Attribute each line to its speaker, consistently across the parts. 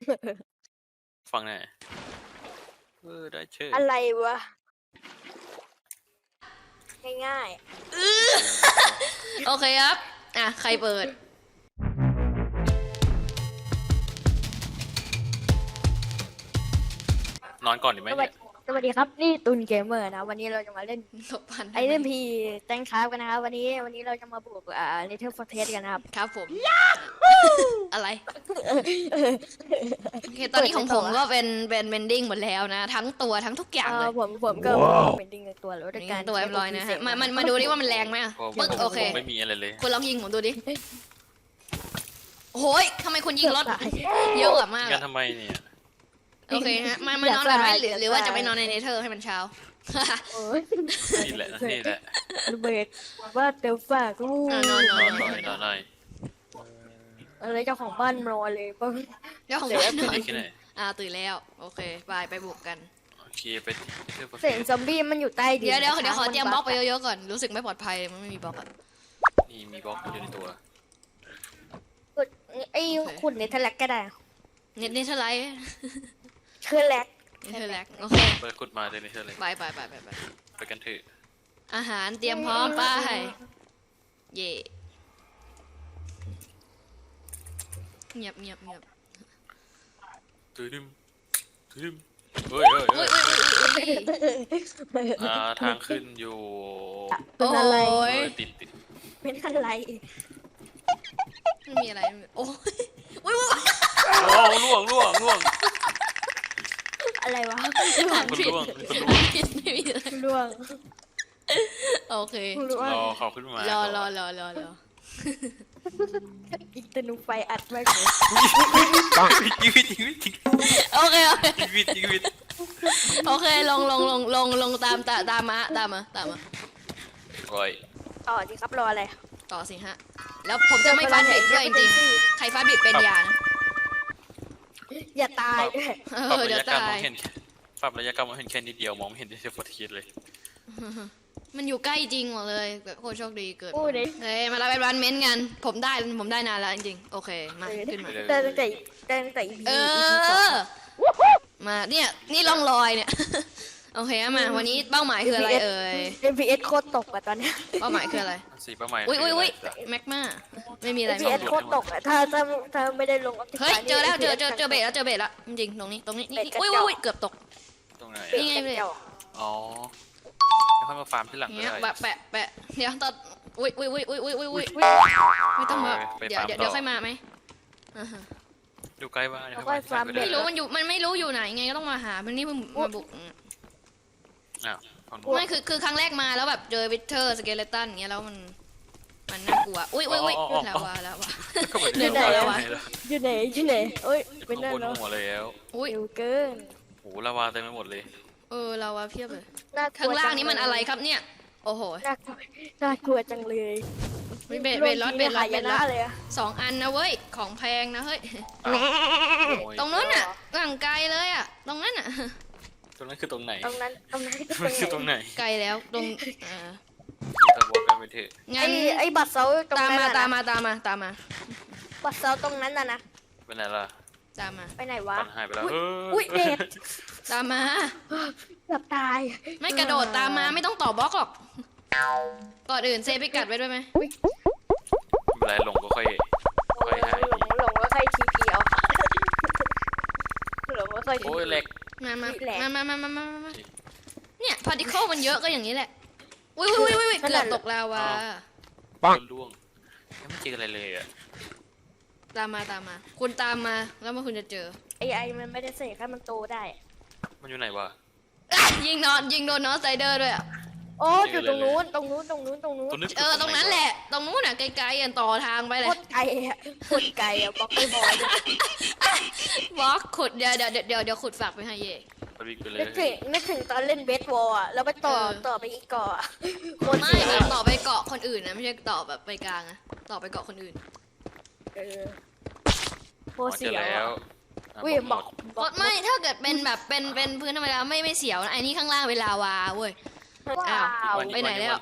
Speaker 1: ฟังหน่อยได้เชื่อ
Speaker 2: อะไรวะง่าย
Speaker 3: โอเคครับใครเปิด
Speaker 1: นอนก่อนดีไหมเนี่ย
Speaker 2: สวัสดีครับนี่ตุนเกมเมอร์นะวันนี้เราจะมาเล่น
Speaker 3: หลบพัน
Speaker 2: IMP แตงคราฟกันนะครับวันนี้เราจะมาบุกNether Fortress กันนะครับ
Speaker 3: ครับผมอะไรโอเคตอนนี้ของผมก็เป็นเบนดิ้งหมดแล้วนะทั้งตัวทั้งทุกอย่างเลย
Speaker 2: ผมก็เป็นดิ้งในตัวแล้วด้วยกัน
Speaker 3: ตัวเรียบร้อยนะฮะมาดูดิว่ามันแรงไหมปึ๊กโอเค
Speaker 1: ไม่มีอะไรเลย
Speaker 3: คุณลองยิงผมดูดิโอ้ยทำไมคุณยิงรถเยอะมาก
Speaker 1: งั้นทำไมเนี่ย
Speaker 3: โอเคฮะมานอนกันไหมหรือว่าจะไปนอนในเนเธอร์ให้มันเช้า
Speaker 1: นี่แหละนี่แหละ
Speaker 2: เบิดว่าเดี๋ยวฝากลูก
Speaker 1: นอน
Speaker 2: อะไรเจ้าของบ้านนอนเลยป่ะ
Speaker 3: เจ้าของบ้านนอนตื่นแล้วโอเคไปบุกกัน
Speaker 1: โอเคไป
Speaker 2: เสียงซอมบี้มันอยู่ใต้ดิน
Speaker 3: เดี๋ยวขอเตรียมบล็อกไปเยอะๆก่อนรู้สึกไม่ปลอดภัยมันไม่มีบล็อก
Speaker 1: นี่มีบล็อกอยู่ในตัว
Speaker 2: ไอ้ขุดเนเธอร์แลกก็ได้
Speaker 3: เนเธอร์ไลท์
Speaker 2: เธอแลก
Speaker 3: โอเค
Speaker 1: เปิดขุดมาเลยนี่เธอเลยไปกันเถอะ
Speaker 3: อาหารเตรียมพร้อมไปเย่เงียบ
Speaker 1: ตื่นเฮ้ยทางขึ้นอยู่
Speaker 2: เป็นอะไร
Speaker 1: ติด
Speaker 2: เป็นอะไร
Speaker 3: ไม่มีอะไรโอ้ย
Speaker 1: ล่วง
Speaker 2: อะไรวะ
Speaker 3: ล่วงโอเค
Speaker 1: รอเขาขึ้นมาร
Speaker 3: อ
Speaker 2: อีกตนุไฟอัดไว้
Speaker 3: โอเค
Speaker 1: ชีวิต
Speaker 3: โอเคลงตามมา
Speaker 1: โอ้ย
Speaker 2: ต่อดีครับรออะไร
Speaker 3: ต่อสิฮะแล้วผมจะไม่ฟาดบิดด้วยจริงๆใครฟาดบิดเป็นยานะ
Speaker 2: อย่าตาย
Speaker 3: เดี๋ยวตาย
Speaker 1: ปรับระยะกรรมเห็นแค่นิดเดียวมองไม่เห็นที่จะฟอร์ทีเลย
Speaker 3: มันอยู่ใกล้จริงหมดเลยแบบโคตรโชคดีเกิดเฮ้ยมารับเป็นวันเม้นกันผมได้นานแล้วจริงๆโอเคมาขึ้นมา
Speaker 2: ตั้งแต่
Speaker 3: มาเนี่ยนี่ร่องรอยเนี่ยโอเคมาวันนี้เป้าหมายคืออะไร
Speaker 2: FPS โคตรตกอะตอนนี้
Speaker 3: เป้าหมายคืออะไร
Speaker 1: เป้าหมาย
Speaker 3: อุ้ยแม็กมาไม่มีอะไร
Speaker 2: FPS โคตรตกอะถ้าไม่ได้ลง
Speaker 3: เฮ้ยเจอแล้วเจอเบสแล้วจริงตรงนี้อุ้ยเกือบตก
Speaker 1: ตรงไหน
Speaker 3: นี่ไงเลย
Speaker 1: อ๋อแล้วค่อยมาฟาร์มที่หลัง
Speaker 3: เนี่ยแปะเดี๋ยวตอนอุ้ยไม่ต้องมาเดี๋ยวค่อยมาไหม
Speaker 1: อยู่ใกล้บ้าน
Speaker 3: ไม่รู้มันไม่รู้อยู่ไหนไงก็ต้องมาหามันนี่มาบุกไม่คือครั้งแรกมาแล้วแบบเจอวิเทอร์สเกเลตันอย่างเงี้ยแล้วมันน่ากลัวอุ้ยแล้ววะ
Speaker 2: อยู่ไหนเอ้ยเป็นนั่นแล้ว
Speaker 1: อุ้ย
Speaker 2: เกิน
Speaker 1: โอ้ลาวาเต็มไปหมดเลย
Speaker 3: ลาวาเพียบเลยข้างล่างนี้มันอะไรครับเนี่ยโอ้โห
Speaker 2: น่ากลัวจังเลย
Speaker 3: เบลล์เลย2 อันนะเว้ยของแพงนะเฮ้ยตรงนั้นอ่ะห่างไกลเลยอ่ะตรงนั้นอ่ะ
Speaker 1: ตรงนั้นคือตรงไหน
Speaker 2: ตรงนั้น
Speaker 1: คือตรงไหน
Speaker 3: ไกลแล้วตรง
Speaker 1: ตะวันกันไปเถอะ
Speaker 3: งั้น
Speaker 2: ไอ้บัตรเสา
Speaker 3: ตามมา
Speaker 2: บัตรเสาตรงนั้นน่ะนะ
Speaker 1: ไปไหนล่ะ
Speaker 3: ตามมา
Speaker 2: ไปไหนวะ
Speaker 1: หายไปแล้ว
Speaker 2: อุ้ยเด็ด
Speaker 3: ตามมา
Speaker 2: เกือบตาย
Speaker 3: ไม่กระโดดตามมาไม่ต้องต่อบล็อกหรอกก่อนอื่นเซฟไปกัดไว้ด้วยไหม
Speaker 1: เวลาหลงก็ค่อยหาย
Speaker 2: หลงก็ค่อยทีพีเอาหลงก็ค่อย
Speaker 1: โอ้ยเล็ก
Speaker 3: มาเนี่ยพาร์ติเคิลมันเยอะก็อย่างนี้แหละอุ้ยเกือบตกลาวา
Speaker 1: ปังล่วงไม่เจออะไรเลยอ่ะ
Speaker 3: ตามมาคุณตามมาแล้วมันคุณจะเจอ
Speaker 2: ไอมันไม่ได้เสกให้มันโตได้
Speaker 1: มันอยู่ไหนวะ
Speaker 3: ยิงโดนน้องไซเดอร์ด้วยอ่ะ
Speaker 2: โอ้อยู่ตรงนู้นตรง
Speaker 3: นั้นแหละตรงนู้นอ่ะไกลๆต่อทางไปเลย
Speaker 2: โคตรไกลอ่ะบล็อกไม่บอย
Speaker 3: บล็อกขุดเดี๋ยวขุดฝากไปให้เย่
Speaker 2: นึกถึงตอนเล่นเบสบอลอ่ะแล้วไปต่อไปอีกเกาะ
Speaker 3: ไม่ต่อไปเกาะคนอื่นนะไม่ใช่ต่อแบบไปกลางอะต่อไปเกาะคนอื่น
Speaker 2: โคตรเสียววิ่งบอก
Speaker 3: ไม่ถ้าเกิดเป็นแบบเป็นพื้นธรรมดาไม่เสียวนะไอ้นี่ข้างล่างเวลาวาเว้ยไปไหนแล้ว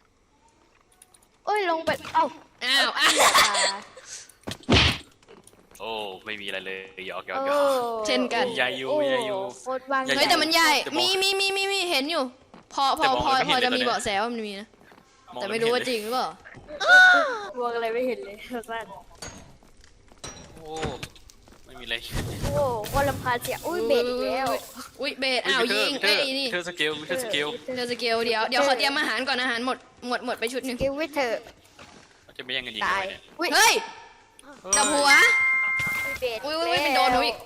Speaker 2: โอ้ยลงไปอ้าว
Speaker 1: โอ้ไม่มีอะไรเลยหยอกหยอก
Speaker 2: โอ้
Speaker 1: หยอก
Speaker 3: เช่นกัน
Speaker 1: ใหญ่อยู่
Speaker 2: โอ้
Speaker 1: ใหญ่อยู่
Speaker 2: โคตรวาง
Speaker 3: เฮ้ยแต่มันใหญ่
Speaker 1: จะมอง
Speaker 3: มีเห็นอยู่ พอ
Speaker 1: แต่มองอะไรไม่
Speaker 3: พอ
Speaker 1: เห็นเลย
Speaker 3: จะมี
Speaker 1: ตอนเนี้ย
Speaker 3: เบาะแสว่ามันมีนะ
Speaker 1: มอง
Speaker 3: แต่
Speaker 1: แล้ว
Speaker 3: ไม่รู้ว่า
Speaker 1: เห็น
Speaker 3: จ
Speaker 1: เลย
Speaker 3: ริงหรือเปล่า
Speaker 2: วางอะไรไม่เห็นเลยสั้น
Speaker 1: โอ้ไม่มีอะไร
Speaker 2: โอ้โคตรรำคาญเสียงอุ้ยเบสอีกแล้ว
Speaker 3: อุ้ยเบสอ้าวยิง
Speaker 1: เธ
Speaker 3: เอ้
Speaker 1: อย
Speaker 3: นี่
Speaker 1: เธอสเกลเธอสเกล
Speaker 3: เธอสเกลเดี๋ยวขอเตรียมอาหารก่อนอาหารหมดไปชุดหนึ่ง
Speaker 2: กิววิเธอ
Speaker 1: จะไม่แย่งกันยิง
Speaker 2: ตาย
Speaker 1: เลยเนี่ย
Speaker 2: อุ้ย
Speaker 3: เฮ้ยจับหัว
Speaker 2: เบส
Speaker 3: อุ้ยเป็นโดนหนูอีก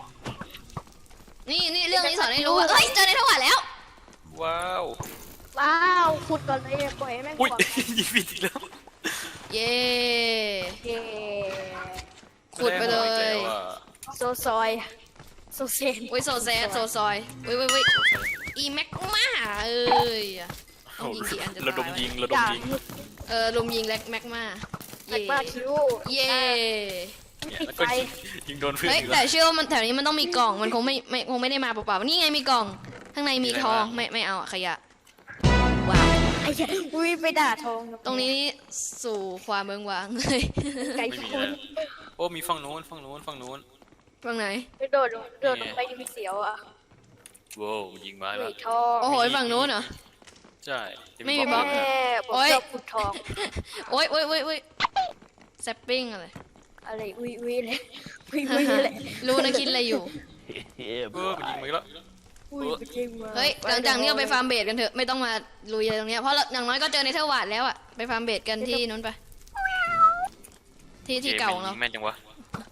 Speaker 3: นี่เรื่องนี้สอนให้รู้ว่าเฮ้ยเจอในทวารแล้ว
Speaker 1: ว้าว
Speaker 2: ว้าวขุดก่อนเลยปล่อยให้แม่ง
Speaker 1: อุ้ย
Speaker 2: ก่อน
Speaker 1: ยิงผิดอีกแล้ว
Speaker 3: เย้
Speaker 2: เย้
Speaker 3: ขุดไปเลย
Speaker 1: แวอะ
Speaker 2: โซซอยโซเซน
Speaker 3: อุ้ยโซแซดโซซอยอุ้ยอีแม็กมาเอ้ยต้องยิงกี่อันจะ
Speaker 1: ระด
Speaker 3: ตาม ย
Speaker 1: ยิงระด
Speaker 2: อ
Speaker 1: ม
Speaker 2: ย่า
Speaker 1: ยิง
Speaker 3: ลุมยิงแม็กมา
Speaker 2: แม็กมาคิว
Speaker 3: เย่
Speaker 1: เนี่ย
Speaker 2: ปิด
Speaker 1: แล้ว
Speaker 2: ไฟ
Speaker 1: ก็ยิงโดนเพื่อน
Speaker 3: เฮ้ย
Speaker 1: อีก
Speaker 3: แต่
Speaker 1: แล้ว
Speaker 3: เชื่อว่ามันแถวนี้มันต้องมีกล่องมันคงไม่ได้มาเปล่าๆนี่ไงมีกล่องข้างในมีทองไม่เอาอะขยะว้าว
Speaker 2: ไอ้เหี้ยอุ้ยไปด่าทอง
Speaker 3: ตรงนี้สู่ความเมืองว้างเลย
Speaker 2: ไก่
Speaker 1: ไม่มี
Speaker 2: คุ
Speaker 1: แล้
Speaker 2: ณ
Speaker 1: วโอ้มีฝั่งนู้นฝั่งนู้นฝั่งนู้น
Speaker 3: ตรงไหน
Speaker 2: ไปโดดลงไปยิงเสียวอ่ะ
Speaker 1: ว้าวยิงมา
Speaker 2: อุ้
Speaker 1: แล้ว
Speaker 2: ยทอง
Speaker 3: โอ้โหฝั่งนู้นเหรอ
Speaker 1: ใช่ที่
Speaker 3: ไม่มีบล็อก
Speaker 2: แม่ผม
Speaker 3: โอ๊ย
Speaker 2: ชอบขุดทอง
Speaker 3: โอ้ยแซปปิ้งอะไร
Speaker 2: อะไรอุ้ยเลยอุ้ยเลย
Speaker 3: รู้นะคิดอะไรอยู่
Speaker 1: มันยิงมาอีกแล้ว
Speaker 2: อุ้ยจริงมา
Speaker 3: เฮ้ยหลังจากนี้เราไปฟาร์มเบดกันเถอะไม่ต้องมาลุยอะไรตรงเนี้ยเพราะอย่างน้อยก็เจอในเทอร์วาดแล้วอะไปฟาร์มเบดกันที่นู้นไปที่เก่าของเรา
Speaker 1: แม่นจังวะ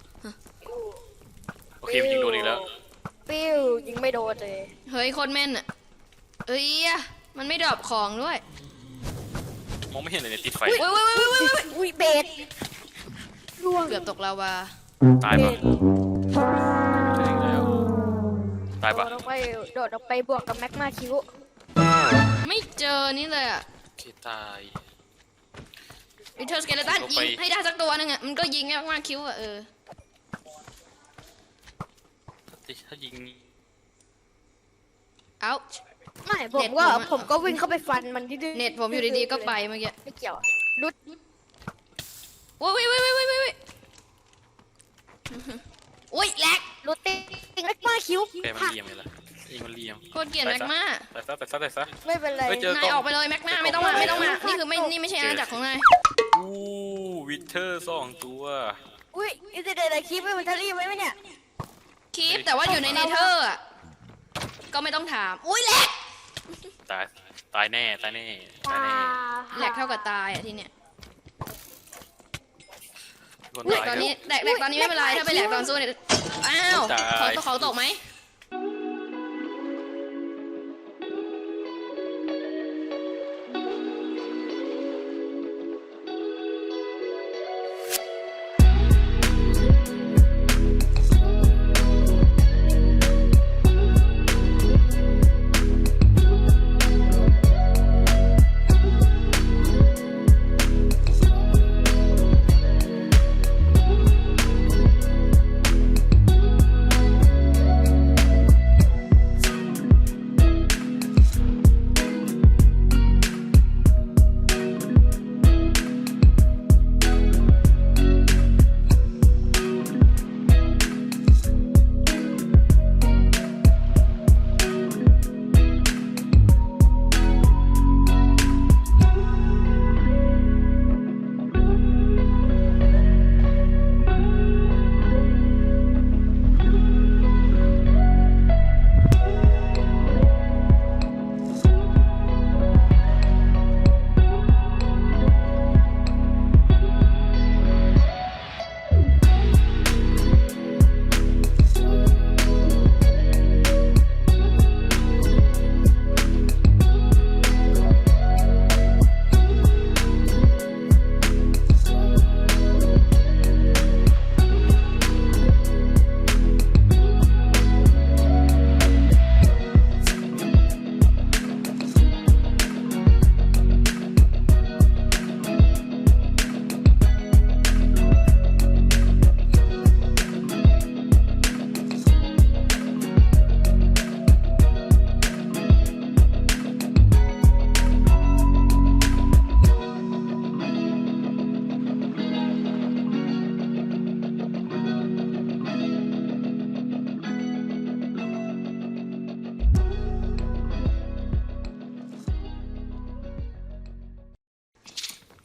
Speaker 1: โอเคมันยิงโดนอีกแล้ว
Speaker 2: ปิ้วยิงไม่โดนเลย
Speaker 3: เฮ้ยโคตรแม่นอะเอ้ยอะมันไม่ดรอปของด้วย
Speaker 1: มองไม่เห็นเลยเนี่ยติดไฟ
Speaker 2: อุ้ยเบสร่วง
Speaker 3: เกือบตกลาวา
Speaker 1: ตายปะใช่แล้วตายปะ
Speaker 2: โดดออกไปบวกกับแม็กมาคิว
Speaker 3: ไม่เจอนี่เลยอะ
Speaker 1: โอเคตาย
Speaker 3: วิเทอร์สเกเลตันยิงให้ได้สักตัวนึงอะมันก็ยิงแค่มากคิ้วอะ
Speaker 1: ถ้ายิง
Speaker 3: เอ้า
Speaker 2: ไม่ผมก็วิ่งเข้าไปฟันมันที่ดื้อ
Speaker 3: เน็ตผมอยู่ดีๆก็ไปเมื่อกี้
Speaker 2: ไม่เกี่ยวรุด
Speaker 3: โอ้ยโอ้ยแหลก
Speaker 2: รุดติ้งแม็กมาคิว
Speaker 1: แกมันเลียมเลยล่ะยิงมันเลียม
Speaker 3: โคตรเกลียดแม็กมา
Speaker 1: แต่ซะ
Speaker 2: ไม่เป็นไร
Speaker 1: เฮ้ยเจอ
Speaker 3: นายออกไปเลยแม็กมาไม่ต้องมานี่คือนี่ไม่ใช่อาณาจักรของนาย
Speaker 1: อู้วิเทอร์2 ตัว
Speaker 2: อุ้ยอินเตอร์เน็ตคลิปไม่มันทะลี่ไหมเนี่ย
Speaker 3: คีปแต่ว่าอยู่ในเนเธอร์อะก็ไม่ต้องถามอุ้ยแหลก
Speaker 1: ตายแน่ตายแน่ตายแน่
Speaker 3: แหลกเท่ากับตายอะที่เนี้ย
Speaker 1: คน
Speaker 3: แหลก
Speaker 1: ตาย
Speaker 3: ตอนนี้แหลกตอนนี้ไม่เป็นไรถ้าไปแหลกตอนสู้เนี่ยอ้าวเขาตกไหม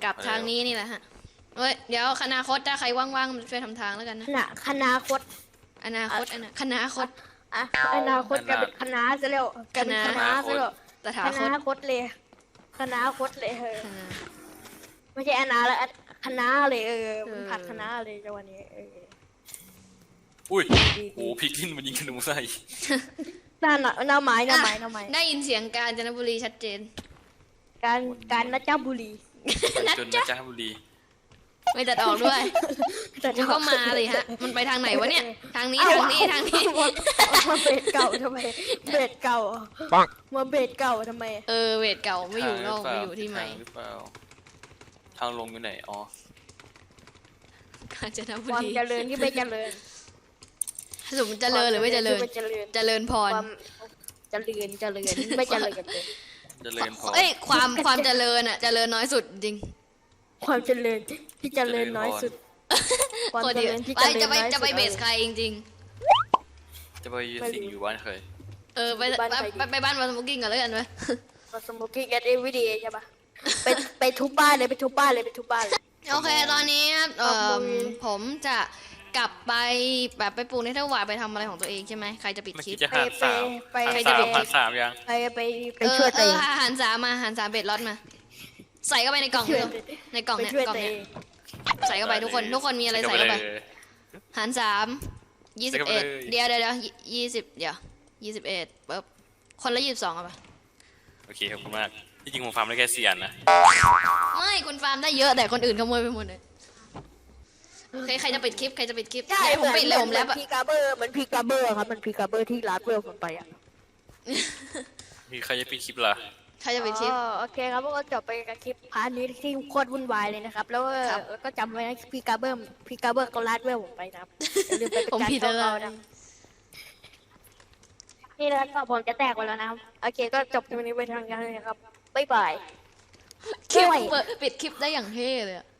Speaker 3: กลับทางนี้นี่แหละฮะเฮ้ยเดี๋ยวคณาคตถ้าใครว่างๆช่วยทำทางแล้วกันนะ
Speaker 2: คณะคต
Speaker 3: อนาคตคณาคต
Speaker 2: อ่ะอนาคตกลายเป็นคณะซะแล้วกลายเป็นคณะซะแล้ว
Speaker 3: ตถา
Speaker 2: ค
Speaker 3: ค
Speaker 2: ณะ
Speaker 3: ต
Speaker 2: คตเลยคณะคตเลย
Speaker 3: คณะ
Speaker 2: ไม่ใช่อนาแล้วคณะเลยมันผัดคณะเลยจังหวะนี้
Speaker 1: อุ้ยโอ้พิกลินมันยิงขนูใส่
Speaker 2: หน้าไม้
Speaker 3: ได้ยินเสียงกาญจนบุรีชัดเจน
Speaker 2: การนะเจ้าบุรี
Speaker 1: จนนะจ้าบุรี
Speaker 3: ไม่ตัดออกด้วย
Speaker 2: แต่
Speaker 3: มันก็มาเลยฮะ มันไปทางไหนวะเนี่ย ทางนี้ทางนี้ทางนี้
Speaker 2: มาเบสเก่าทำไมเบสเก่ามาเบสเก่าทำไม
Speaker 3: เวทเก่าไม่อยู่นอกไม่อยู่ที่ใหม่
Speaker 1: หรือเปล่าทางลงอยู่ไหนอ๋อก
Speaker 3: าญจนบุ
Speaker 2: ความ
Speaker 3: รี
Speaker 2: เจริญที่ไม่เจริญ
Speaker 3: สมเจริญหรือไม่เจริญ เจริญพ
Speaker 2: ควาร มเจริญไม่เจริญกันเลย
Speaker 1: เจริญพอ
Speaker 3: เอ้ยความเจริญอ่ะเจริญน้อยสุดจริง
Speaker 2: ความเจริญที่เจริญน้อยสุด ความ
Speaker 3: คน
Speaker 2: เจ
Speaker 3: เดียว
Speaker 2: ริญที่
Speaker 3: ไป
Speaker 2: เจริญน้อยสุด
Speaker 3: จะไปเบสใครจริง
Speaker 1: จะไปสิงอยู่บ้านเคย
Speaker 3: ๆไปบ้านมาสมุกกิ้งกันแล้วกันไหม
Speaker 2: มาสโมกิ้งกันเอวีดีใช่ปะไปทุบบ้านเลยไปทุบบ้านเลย
Speaker 3: โอเคตอนนี้ครับ
Speaker 2: ขอบคุณ
Speaker 3: ผมจะกลับไปแบบไปปลูกในเทวายไปทำอะไรของตัวเองใช่ไหมใครจะปิด
Speaker 1: เมื่อ
Speaker 3: คลิ
Speaker 1: กี้
Speaker 3: ป
Speaker 1: จะหารสาม
Speaker 2: ไป
Speaker 1: หารสามยัง
Speaker 2: ไปช่วยตัวเอง
Speaker 3: อาหารสามมาอาหารสามเบ็ดล็อตมา ใส่เข้าไปในกล่อง
Speaker 2: ช่วย
Speaker 3: ในกล่อง
Speaker 2: ไป
Speaker 3: เนี่ย
Speaker 2: ช่วย
Speaker 3: กล่อง
Speaker 2: ตัวเอ
Speaker 3: เนี่ย
Speaker 2: ง
Speaker 3: ใส่เข้าไปทุกคนมีอะไรใส่เข้าไปหารสาม21เดี๋ยว20เดี๋ยว21ปุ๊บคนละ22เอาไป
Speaker 1: โอเคขอบคุณมากที่จริงผมฟาร์มได้แค่4 อันนะ
Speaker 3: ไม่คุณฟาร์มได้เยอะแต่คนอื่นขโมยไปหมดเลยโอเคใครจะปิดคลิป
Speaker 2: ใช่
Speaker 3: เดี๋ยวผมปิดเลยผมแล้ว
Speaker 2: พีกาเบอร์มันพีกาเบอร์ครับมันพีกาเบอร์ที่ร้านเวลผมไปอ่ะ
Speaker 1: มีใครจะปิดคลิปล่ะ
Speaker 3: ใครจะปิดคลิป
Speaker 2: โอเคครับก็จบไปกับคลิปพาร์ทนี้ที่โคตรวุ่นวายเลยนะครับ แล้ว
Speaker 3: ครับ
Speaker 2: ก็จำไว้นะพีกาเบอร์ก็ร้านเวลผมไปนะครับอย่าลืมไปเป็น
Speaker 3: ผม
Speaker 2: การ
Speaker 3: ผิด
Speaker 2: เข้า
Speaker 3: แล้ว
Speaker 2: เขานะนี่นะครับก็ผมจะแตกไปแล้วนะครับโอเคก็จบตรงนี้ไปทางกันเลยนะครับบ๊ายบาย
Speaker 3: คลิปปิดคลิปได้อย่างเท่เลยอะ